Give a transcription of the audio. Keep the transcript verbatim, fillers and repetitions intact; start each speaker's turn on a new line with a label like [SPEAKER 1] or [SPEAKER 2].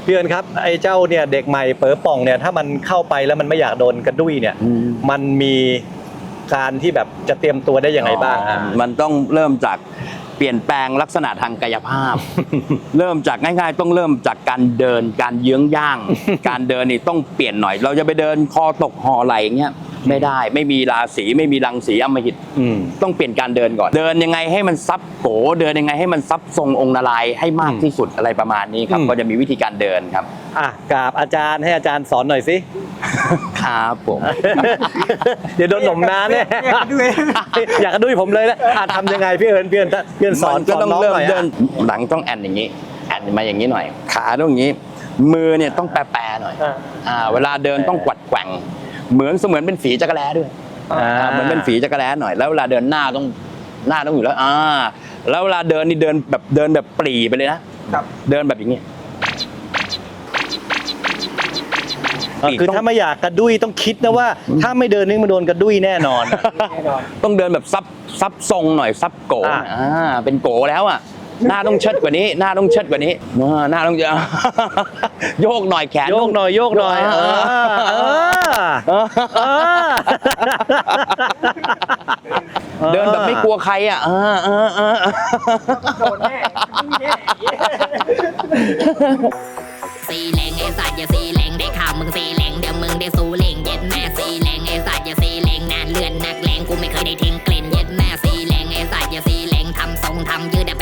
[SPEAKER 1] พี่เอิญครับไอ้เจ้าเนี่ยเด็กใหม่เป๋อป่องเนี่ยถ้ามันเข้าไปแล้วมันไม่อยากโดนกระดุ้ยเนี่ยมันมีการที่แบบจะเตรียมตัวได้ยังไงบ้างอ่ะ
[SPEAKER 2] มันต้องเริ่มจากเปลี่ยนแปลงลักษณะทางกายภาพ เริ่มจากง่ายๆต้องเริ่มจากการเดินการเยื้องย่าง การเดินนี่ต้องเปลี่ยนหน่อย เราจะไปเดินคอตกห่อไหลอย่างเงี้ยไม่ได้ไม่มีราศีไม่มีรังสีอำมหิตต้องเปลี่ยนการเดินก่อนเดินยังไงให้มันซับโกเดินยังไงให้มันซับทรงองค์นารายณ์ให้มากที่สุดอะไรประมาณนี้ครับก็จะมีวิธีการเดินครับ
[SPEAKER 1] อ่ะกราบอาจารย์ให้อาจารย์สอนหน่อยสิ
[SPEAKER 2] ครับผม
[SPEAKER 1] เดี๋ยวโดนหนมน้าเนี่ยอยากกระดุ้ยผมเลยนะอ่ะทำยังไงพี่เอิญพี่เอิญพี่เอิญสอน
[SPEAKER 2] ก็ต้อง
[SPEAKER 1] น้อง
[SPEAKER 2] เริ่ม
[SPEAKER 1] หน่อย
[SPEAKER 2] เดิ
[SPEAKER 1] อ่ะ
[SPEAKER 2] นหลังต้องแอนอย่างนี้แอนมาอย่างนี้หน่อยขาต้องอย่างนี้มือเนี่ยต้องแปรๆหน่อยอ่าเวลาเดินต้องกวัดแกว่งเหมือนเสมือนเป็นฝีจักรแล้ด้วยเหมือนเป็นฝีจักรแล้หน่อยแล้วเวลาเดินหน้าต้องหน้าต้องอยู่แล้วอ่าแล้วเวลาเดินนี่เดินแบบเดินแบบปรีไปเลยนะเดินแบบอย่างนี้
[SPEAKER 1] คือถ้าไม่อยากกระดุ้ยต้องคิดนะว่าถ้าไม่เดินนี่มันโดนกระดุ้ยแน่นอน
[SPEAKER 2] ต้องเดินแบบซับซับทรงหน่อยซับโกอ่าเป็นโกแล้วอ่ะหน้าต้องเชิดกว่านี้หน้าต้องเชิดกว่านี้หน้าต้องโยกหน่อยแขน
[SPEAKER 1] โยกหน่อยโยกหน่อยเออเออ
[SPEAKER 2] เดินแบบไม่กลัวใครอ่ะเออเออเออโดนแน่แน่
[SPEAKER 3] สีแหลงไอ้สัตว์อย่าสีแหลงได้ข่าวมึงสีแหลงเดี๋ยวมึงได้สูแหลงเย็ดแม่สีแหลงไอ้สัตว์อย่าสี